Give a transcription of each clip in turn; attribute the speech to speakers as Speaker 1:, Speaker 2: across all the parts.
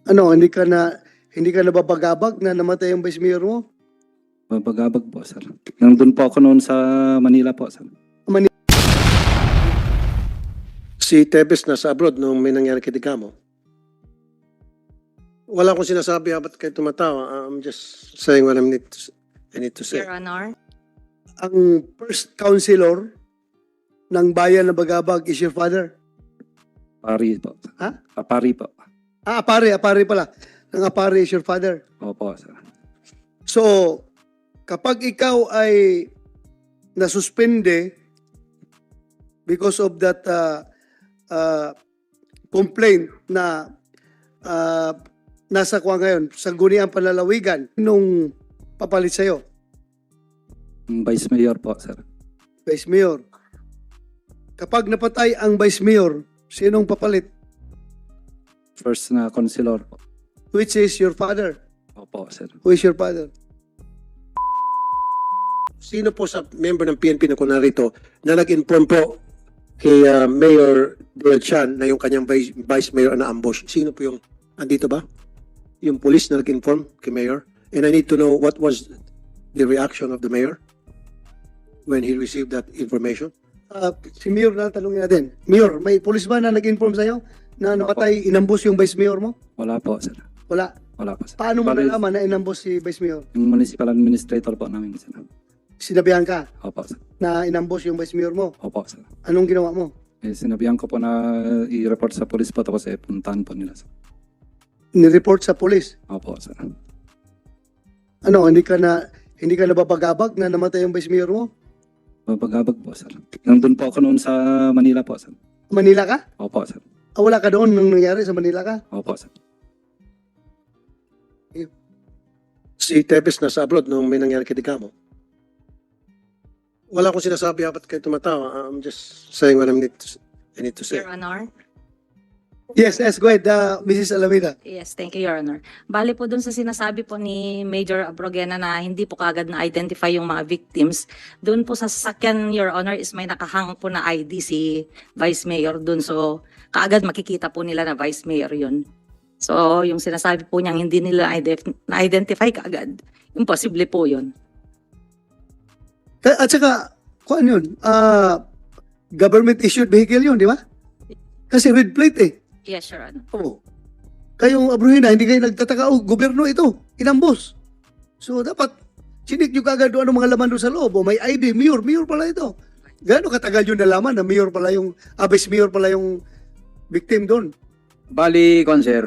Speaker 1: Ano, hindi ka nababagabag na namatay yung vice mayor mo?
Speaker 2: Mabagabag po, sir. Nandun po ako noon sa Manila po, sir.
Speaker 3: Si Tebes nasa abroad nung may nangyari kay Digamo. Wala akong sinasabi ba't kayo tumatawa. I'm just saying what I need to say.
Speaker 4: Your Honor.
Speaker 1: Ang first councilor ng bayan na Bagabag is your father.
Speaker 2: Apari po.
Speaker 1: Ha?
Speaker 2: Apari po.
Speaker 1: Apari pala. Ang Apari is your father.
Speaker 2: Opo, sir.
Speaker 1: So, kapag ikaw ay nasuspende because of that complaint na nasa kuha ngayon, sa Guniang Panlalawigan, nung papalit sa'yo,
Speaker 2: Vice Mayor po, sir.
Speaker 1: Vice Mayor. Kapag napatay ang Vice Mayor, sinong papalit?
Speaker 2: First na consular po.
Speaker 1: Which is your father?
Speaker 2: Opo, sir.
Speaker 1: Who is your father?
Speaker 3: Sino po sa member ng PNP na kunarito na nag-inform po kay Mayor Dale Chan na yung kanyang vice mayor na ambush? Sino po yung, andito ba? Yung police na nag-inform kay Mayor? And I need to know what was the reaction of the Mayor when he received that information?
Speaker 1: Si Mayor na tanongin natin. Mayor, may police ba na nag-inform sa'yo na napatay, inambos yung Vice Mayor mo?
Speaker 2: Wala po, sir.
Speaker 1: Wala.
Speaker 2: Wala po, sir.
Speaker 1: Paano mo
Speaker 2: Bali,
Speaker 1: nalaman na inambos si Vice Mayor?
Speaker 2: yung municipal administrator po namin, sir.
Speaker 1: Sinabihan ka
Speaker 2: Opo, sir.
Speaker 1: na inambos yung Vice Mayor mo.
Speaker 2: Opo, sir.
Speaker 1: Anong ginawa mo?
Speaker 2: Sinabihan ko po na i-report sa police po tapos puntahan po nila, sir.
Speaker 1: Nireport sa police.
Speaker 2: Opo, sir.
Speaker 1: Ano, hindi ka nababagabag na namatay yung Vice Mayor mo?
Speaker 2: Mabagabag po, sir. Nandun po ako noon sa Manila po, sir.
Speaker 1: Manila ka?
Speaker 2: Opo, sir.
Speaker 1: Wala ka doon nung nangyari sa Manila ka?
Speaker 2: Opo, sir.
Speaker 3: Si Tebes nasa abroad nung may nangyari kay Digamo. Wala akong sinasabi ba't kayo tumatawa. I'm just saying what I need to say.
Speaker 4: Your Honor.
Speaker 1: Yes, go ahead, Mrs. Alameda.
Speaker 4: Yes, thank you, Your Honor. Bali po dun sa sinasabi po ni Major Abrogena na hindi po kagad na-identify yung mga victims, dun po sa sasakyan, Your Honor, is may nakahang po na ID si Vice Mayor dun. So, kaagad makikita po nila na Vice Mayor yun. So, yung sinasabi po niyang hindi nila na-identify kaagad, imposible po yun.
Speaker 1: At saka, kung ano yun, government-issued vehicle yun, di ba? Kasi red plate eh.
Speaker 4: Yes, Your Honor.
Speaker 1: Oo. Kayong Abruhina, hindi kayo nagtataka, gobyerno ito, inambos. So, dapat, sinik nyo kagad doon ang mga laman doon sa loob. O may ID, mayor pala ito. Gaano katagal yun nalaman na mayor pala yung, vice mayor pala yung victim doon?
Speaker 5: Bali, sir,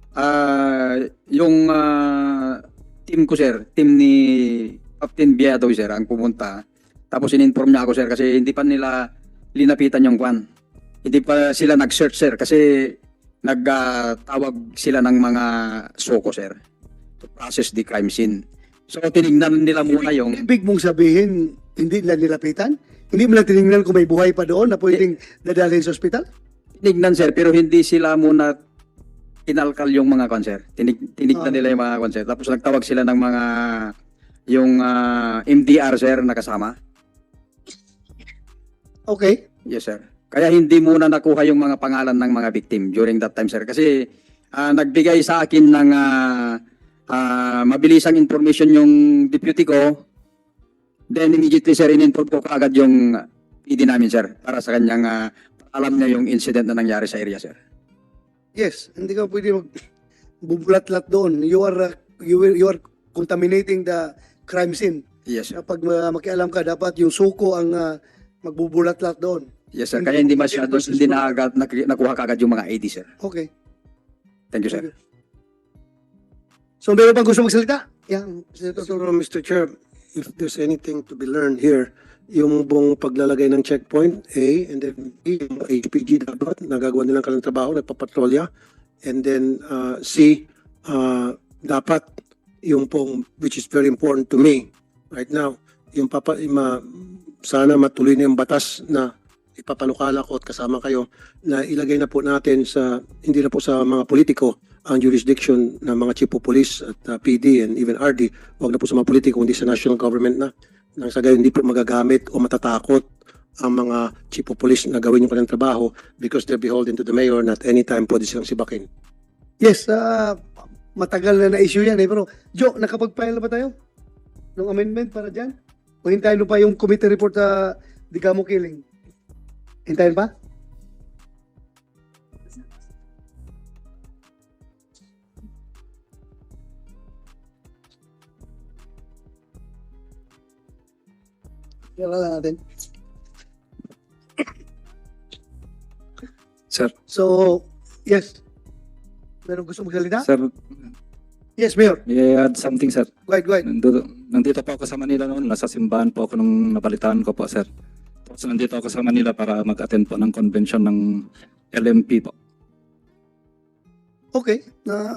Speaker 5: yung team ko, sir, team ni Captain Biado, sir, ang pumunta. Tapos in-inform niya ako, sir, kasi hindi pa nila linapitan yung kwan. Hindi pa sila nag-search, sir, kasi nagtawag sila ng mga soko, sir, to process the crime scene. So, tinignan nila muna yung...
Speaker 1: Ibig mong sabihin, hindi nila nilapitan? Hindi mo lang tinignan kung may buhay pa doon na pwedeng dadalhin sa ospital?
Speaker 5: Tinignan, sir, pero hindi sila muna kinalkal yung mga sir. Tinignan nila yung mga sir. Tapos nagtawag sila ng mga yung MDR, sir, na kasama.
Speaker 1: Okay.
Speaker 5: Yes, sir. Kaya hindi muna nakuha yung mga pangalan ng mga victim during that time, sir. Kasi nagbigay sa akin ng mabilisang information yung deputy ko. Then immediately, sir, in-inform ko kaagad yung PD namin, sir, para sa kanyang alam niya yung incident na nangyari sa area, sir.
Speaker 1: Yes, hindi ka pwede magbubulat-lat doon. You are contaminating the crime scene.
Speaker 5: Yes, sir.
Speaker 1: Kapag makialam ka, dapat yung suko ang magbubulat-lat doon.
Speaker 5: Yes, sir. Kaya hindi masyado, hindi nakuha kaagad yung mga ID, sir.
Speaker 1: Okay.
Speaker 5: Thank you, sir.
Speaker 1: So, meron bang gusto magsalita? Yeah,
Speaker 3: Siguro, Mr. Chair, if there's anything to be learned here, yung buong paglalagay ng checkpoint, A, and then B, yung HPG dapat, nagagawa nilang kanilang trabaho, nagpapatrolya, and then C, dapat yung pong, which is very important to me right now, yung sana matuloy na yung batas na ipapalukala ko at kasama kayo na ilagay na po natin sa, hindi na po sa mga politiko ang jurisdiction ng mga chief of police at PD and even RD. Huwag na po sa mga politiko, hindi sa national government na. Nang sa gayon, hindi po magagamit o matatakot ang mga chief of police na gawin yung kanilang trabaho because they're beholden to the mayor, not anytime pwede silang sibakin.
Speaker 1: Yes, matagal na issue yan eh. Pero, Joe, nakapag-file na ba tayo? Ng amendment para dyan? O hintayin mo pa yung committee report sa Digamo Killing? Hintayin pa? Kailan lang natin.
Speaker 2: Sir,
Speaker 1: So, yes. Meron gusto magsalita?
Speaker 2: sir,
Speaker 1: Yes, Mayor.
Speaker 2: may I add something, sir.
Speaker 1: Go ahead, go ahead.
Speaker 2: Nandito po ako sa Manila noon. Nasa simbahan po ako nung nabalitaan ko po, sir. Tapos nandito ako sa Manila para mag-attend po ng convention ng LMP po.
Speaker 1: Okay.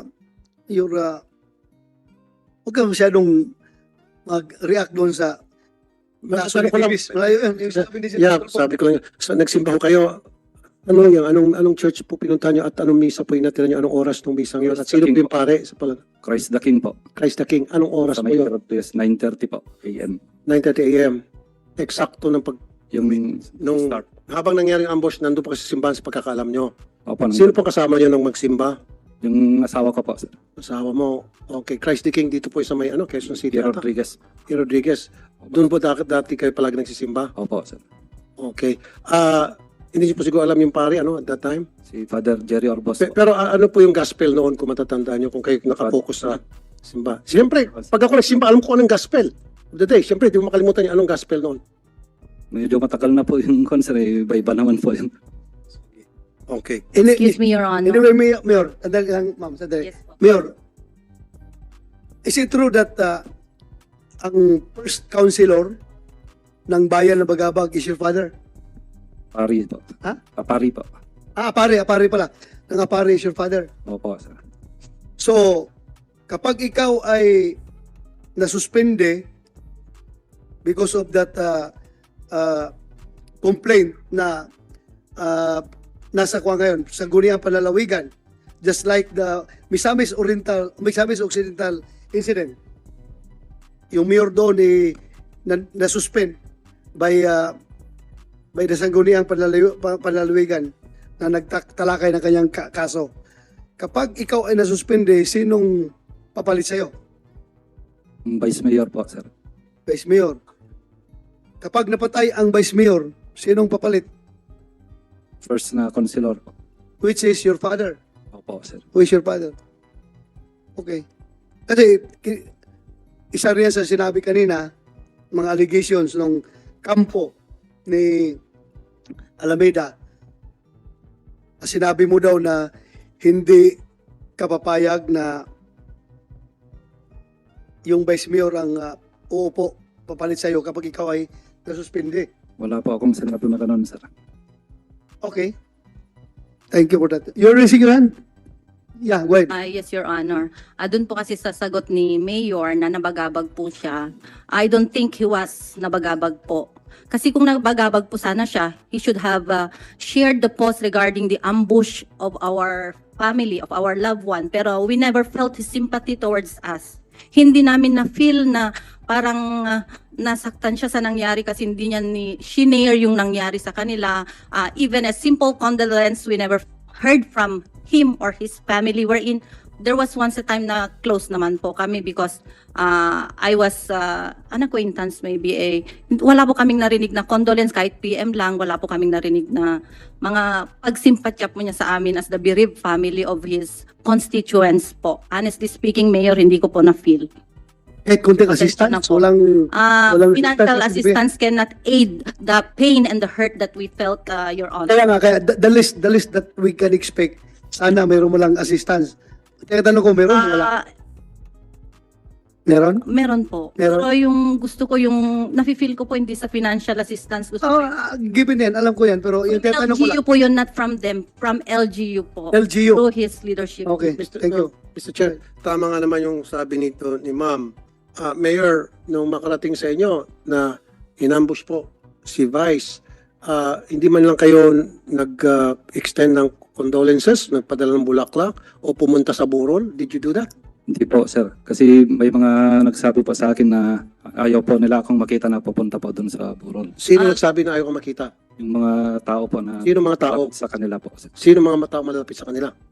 Speaker 1: Huwag ka masyadong mag-react doon sa
Speaker 3: Masasabi ko lang,
Speaker 1: Malayo yun. Yung sabi ni
Speaker 3: yeah, sabi ko lang, so, nagsimba ko kayo, ano yan, anong church po pinunta nyo at anong misa po inatira nyo, anong oras ng misang yun? At sino po yung pare sa pala?
Speaker 2: Christ the King po.
Speaker 3: Christ the King, anong oras
Speaker 2: Sa
Speaker 3: po
Speaker 2: may
Speaker 3: yun?
Speaker 2: 9:30 po AM.
Speaker 3: 9:30 a.m. Eksakto ng
Speaker 2: Yung
Speaker 3: nung
Speaker 2: start.
Speaker 3: habang nangyari ang ambush, nandun po kasi sa simbahan sa pagkakaalam nyo.
Speaker 2: Opo,
Speaker 3: Sino po kasama nyo nung magsimba?
Speaker 2: yung asawa ko po, sir.
Speaker 3: Asawa mo. Okay, Christ the King dito po sa may Quezon City.
Speaker 2: Pierre
Speaker 3: ata.
Speaker 2: Rodriguez.
Speaker 3: Pierre Rodriguez. Doon po dati kayo palagi nagsisimba.
Speaker 2: Opo, sir.
Speaker 3: Okay. Hindi niyo po siguro alam yung pare at that time?
Speaker 2: Si Father Jerry Orbos po.
Speaker 3: Pero ano po yung gospel noon kung matatandaan nyo kung kayo nakapokus sa simba? Siyempre, pag ako nagsimba, alam ko anong gospel of the day. Siyempre, di mo makalimutan yung anong gospel noon.
Speaker 2: Medyo matagal na po yung concert. Iba-iba naman po yun.
Speaker 3: Okay.
Speaker 4: Excuse me, Your Honor.
Speaker 1: Anyway, Mayor, sandali lang, ma'am, sandali.
Speaker 4: Yes po.
Speaker 1: Mayor, is it true that ang first councilor ng bayan ng Bagabag is your father?
Speaker 2: Pari po.
Speaker 1: Ha?
Speaker 2: Pari po.
Speaker 1: Apare pala. Ang apare is your father.
Speaker 2: Opo, sir.
Speaker 1: So, kapag ikaw ay nasuspende because of that complaint na nasa kuha ngayon, sa Guniang Panlalawigan, just like the Misamis Occidental incident, yung mayor doon na-suspend by the Sangguniang Panlalawigan na nagtalakay ng kanyang kaso. Kapag ikaw ay nasuspende, sinong papalit sa'yo?
Speaker 2: Yung Vice Mayor po, sir.
Speaker 1: Vice Mayor. Kapag napatay ang Vice Mayor, sinong papalit?
Speaker 2: First na consular po.
Speaker 1: Which is your father?
Speaker 2: Opo, sir.
Speaker 1: Who is your father? Okay. Kasi isa rin yan sa sinabi kanina, mga allegations ng kampo ni Alameda. Sinabi mo daw na hindi kapapayag na yung Vice Mayor ang uupo, papalit sa'yo kapag ikaw ay nasuspindi.
Speaker 2: Wala po akong sinabi na ganun, sir.
Speaker 1: Okay. Thank you for that. You're raising your hand? Yeah, go ahead.
Speaker 6: Yes, Your Honor. Doon po kasi sa sagot ni Mayor na nabagabag po siya, I don't think he was nabagabag po. Kasi kung nabagabag po sana siya, he should have shared the post regarding the ambush of our family, of our loved one. Pero we never felt his sympathy towards us. Hindi namin na-feel na parang nasaktan siya sa nangyari kasi hindi niya shinare yung nangyari sa kanila. Even a simple condolence, we never heard from him or his family. Wherein there was once a time na close naman po kami because I was an acquaintance maybe. Wala po kaming narinig na condolence kahit PM lang. Wala po kaming narinig na mga pagsimpatya po niya sa amin as the bereaved family of his constituents po. Honestly speaking, Mayor, hindi ko po na-feel.
Speaker 1: Kahit konting
Speaker 6: Pasensya na
Speaker 1: assistance,
Speaker 6: po.
Speaker 1: walang
Speaker 6: Financial assistance cannot aid the pain and the hurt that we felt, Your Honor.
Speaker 1: Kaya nga, the list that we can expect, sana mayroon mo lang assistance. Kaya tanong ko, meron? Wala. Meron?
Speaker 6: Meron po.
Speaker 1: Meron?
Speaker 6: Pero yung gusto ko, yung nafe-feel ko po hindi sa financial assistance. Gusto ko
Speaker 1: Given yan, alam ko yan, pero yung kaya tanong ko lang,
Speaker 6: LGU po yun, not from them, from LGU po.
Speaker 1: LGU.
Speaker 6: Through his leadership.
Speaker 1: Okay, thank you.
Speaker 3: Mr. Chair, tama nga naman yung sabi nito ni Ma'am. Mayor, nung makarating sa inyo na inambush po si Vice, hindi man lang kayo nag-extend ng condolences, nagpadala ng bulaklak o pumunta sa Burol? Did you do that?
Speaker 2: Hindi po, sir. Kasi may mga nagsabi po sa akin na ayaw po nila akong makita na pupunta po dun sa Buron.
Speaker 3: Sino nagsabi na ayaw ko makita?
Speaker 2: Yung mga tao po na
Speaker 3: Sino mga tao?
Speaker 2: sa kanila po, sir.
Speaker 3: Sino mga tao malapit sa kanila?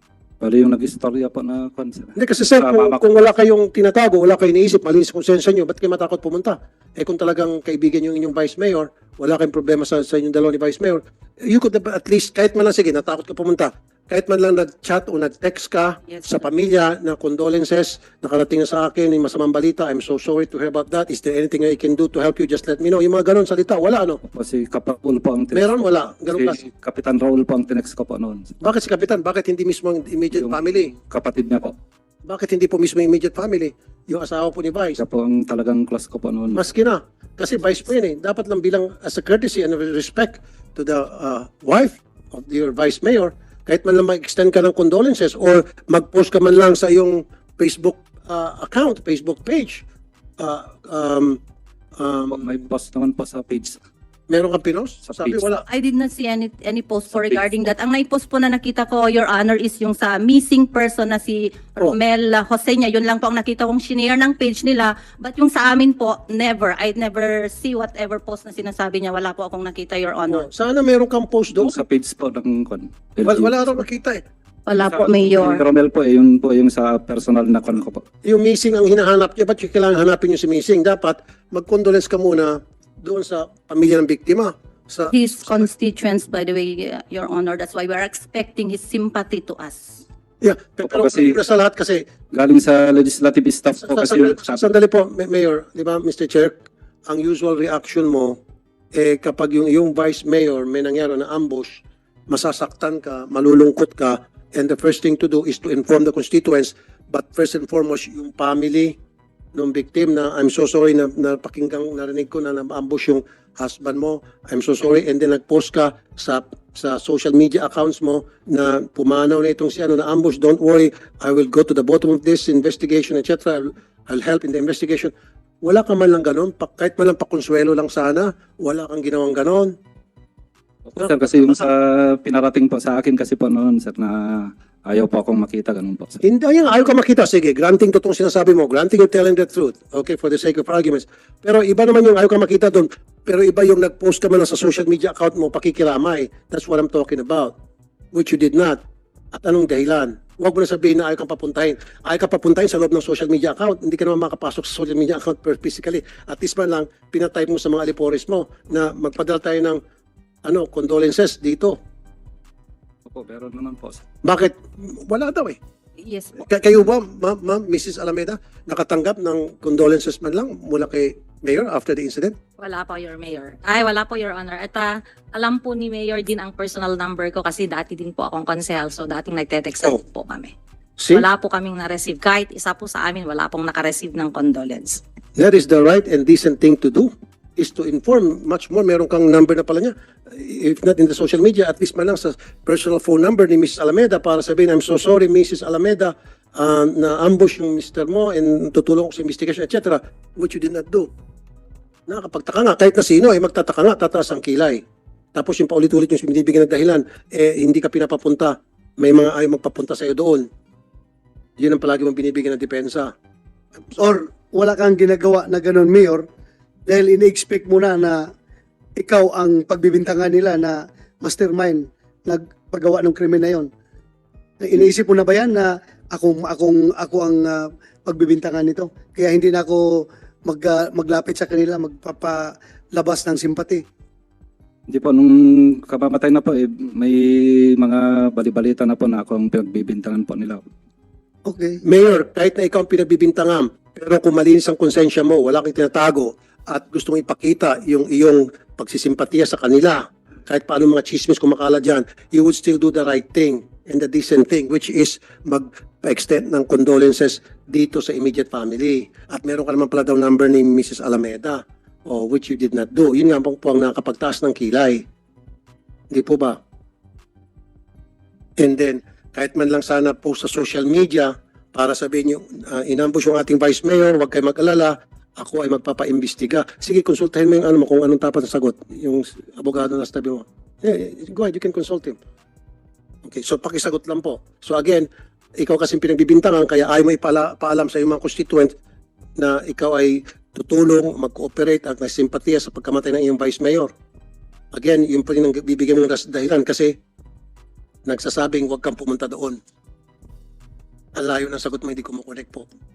Speaker 2: Bali yung nag-istorya po na kwan, sir.
Speaker 3: Hindi kasi sir, kung,
Speaker 2: Mama ko.
Speaker 3: kung wala kayong tinatago, wala kayong iniisip, malinis konsensya nyo, ba't kayo matakot pumunta? Eh kung talagang kaibigan yung inyong Vice Mayor, wala kayong problema sa inyong dalawa ni Vice Mayor, you could have at least, kahit man lang, sige, natakot ka pumunta, kahit man lang nag-chat o nag-text ka
Speaker 4: Yes,
Speaker 3: sa pamilya na condolences, nakarating na sa akin, yung masamang balita, I'm so sorry to hear about that, is there anything I can do to help you, just let me know. Yung mga ganun salita, wala ano?
Speaker 2: Po si Kapapul po ang
Speaker 3: Meron, wala. Ganun
Speaker 2: Si Kapitan Raul po ang tinext ko po noon.
Speaker 3: Bakit si Kapitan? Bakit hindi mismo ang immediate
Speaker 2: Yung
Speaker 3: family?
Speaker 2: Kapatid niya po.
Speaker 3: Bakit hindi po mismo yung immediate family? Yung asawa po ni Vice?
Speaker 2: Siya po ang talagang close ko po noon.
Speaker 3: Maski na. Kasi Vice po yun eh. Dapat lang bilang as a courtesy and respect to the wife of your Vice Mayor, kahit man lang mag-extend ka ng condolences or mag-post ka man lang sa iyong Facebook account, Facebook page.
Speaker 2: May post naman po sa page.
Speaker 3: Meron kang pinost?
Speaker 2: Sa
Speaker 3: Sabi
Speaker 2: page.
Speaker 3: wala.
Speaker 6: I did not see any post po
Speaker 2: Sa
Speaker 6: regarding that. Ang nai-post po na nakita ko, Your Honor, is yung sa missing person na si
Speaker 3: Oh.
Speaker 6: Romel Jose niya. Yun lang po ang nakita kong shinare ng page nila. But yung sa amin po, never. I never see whatever post na sinasabi niya. Wala po akong nakita, Your Honor.
Speaker 3: Sana meron kang post doon.
Speaker 2: Doon sa page po ng kwan.
Speaker 3: Wala raw nakita eh.
Speaker 6: Wala po,
Speaker 2: Yung
Speaker 6: Mayor.
Speaker 2: Romel po, yun po yung sa personal na kwan ko po.
Speaker 3: Yung missing ang hinahanap niya, ba't yung kailangan hanapin yung si missing? Dapat mag-condolence ka muna doon sa pamilya ng biktima. Sa
Speaker 6: His constituents, by the way, Your Honor. That's why we're expecting his sympathy to us.
Speaker 3: Yeah, pero
Speaker 2: Kasi-
Speaker 3: sa lahat kasi,
Speaker 2: Galing sa legislative staff po kasi yung
Speaker 3: sandali po, Mayor, di ba, Mr. Chair, ang usual reaction mo, kapag yung Vice Mayor may nangyari na ambush, masasaktan ka, malulungkot ka, and the first thing to do is to inform the constituents, but first and foremost, yung family ng victim na, I'm so sorry na narinig ko na na-ambush yung husband mo, I'm so sorry, and then nag-post ka sa social media accounts mo na pumanaw na itong si ano na ambush, don't worry, I will go to the bottom of this investigation, etc. I'll help in the investigation. Wala ka man lang ganon, kahit man lang pakonsuelo lang sana, wala kang ginawang ganon.
Speaker 2: Sir, kasi yung sa pinarating po sa akin kasi po noon, sir, na ayaw po akong makita, ganun po, sir.
Speaker 3: Hindi, ayun, ayaw ka makita. Sige, granting totoong sinasabi mo. Granting you're telling the truth. Okay, for the sake of arguments. Pero iba naman yung ayaw ka makita doon. Pero iba yung nag-post ka man lang sa social media account mo, pakikiramay. That's what I'm talking about. Which you did not. At anong dahilan? Huwag mo na sabihin na ayaw kang papuntahin. Ayaw ka papuntahin sa loob ng social media account. Hindi ka naman makapasok sa social media account physically. At least man lang, pinatype mo sa mga alipores mo na magpadala tayo ng condolences dito.
Speaker 2: Opo, pero naman po, sir.
Speaker 3: Bakit? Wala daw eh.
Speaker 6: Yes po.
Speaker 3: Kayo ba, ma'am, Mrs. Alameda, nakatanggap ng condolences man lang mula kay Mayor after the incident?
Speaker 4: Wala po, Your Mayor. Wala po, Your Honor. At alam po ni Mayor din ang personal number ko kasi dati din po akong konsehal. So dating nagte-text po kami.
Speaker 3: See,
Speaker 4: Wala po kaming na-receive. Kahit isa po sa amin, wala pong naka-receive ng condolence.
Speaker 3: that is the right and decent thing to do, is to inform much more. Meron kang number na pala niya. If not in the social media, at least man lang sa personal phone number ni Mrs. Alameda para sabihin, I'm so sorry, Mrs. Alameda, na ambush yung mister mo and tutulong ko sa investigation, etc. Which you did not do. Nakakapagtaka nga, kahit na sino, magtataka nga, tataas ang kilay. Tapos yung paulit-ulit yung binibigyan ng dahilan, hindi ka pinapapunta. May mga ayaw magpapunta sa'yo doon. Yun ang palagi mong binibigyan ng depensa.
Speaker 1: Or wala kang ginagawa na ganun, Mayor, dahil ini-expect mo na ikaw ang pagbibintangan nila na mastermind nagpagawa ng krimen na yon. Iniisip mo na ba yan na ako ang pagbibintangan nito? Kaya hindi na ako maglapit sa kanila, magpapalabas ng simpati.
Speaker 2: Hindi po, nung kamamatay na po, may mga balibalita na po na ako ang pinagbibintangan po nila.
Speaker 1: Okay.
Speaker 3: Mayor, kahit na ikaw ang pinagbibintangan, pero kung malinis ang konsensya mo, wala kang tinatago, at gusto mong ipakita yung iyong pagsisimpatiya sa kanila, kahit paano mga chismis kumakala dyan, you would still do the right thing and the decent thing, which is mag-extend ng condolences dito sa immediate family. At meron ka naman pala daw number ni Mrs. Alameda, which you did not do. Yun nga po ang nakapagtaas ng kilay. Hindi po ba? And then, kahit man lang sana post sa social media para sabihin nyo, inambush yung ating Vice Mayor, huwag kayo mag-alala, ako ay magpapaimbestiga. Sige, konsultahin mo yung ano mo kung anong tapat na sagot. Yung abogado na sa tabi mo. Yeah, go ahead, you can consult him. Okay, so pakisagot lang po. So again, ikaw kasing pinagbibintangan, kaya ayaw mo ipaalam sa iyong mga constituent na ikaw ay tutulong, mag-cooperate at may simpatiya sa pagkamatay ng iyong Vice Mayor. Again, yun pa rin ang bibigyan mo ng dahilan kasi nagsasabing huwag kang pumunta doon. Alayo ng sagot mo, hindi kumukonek po.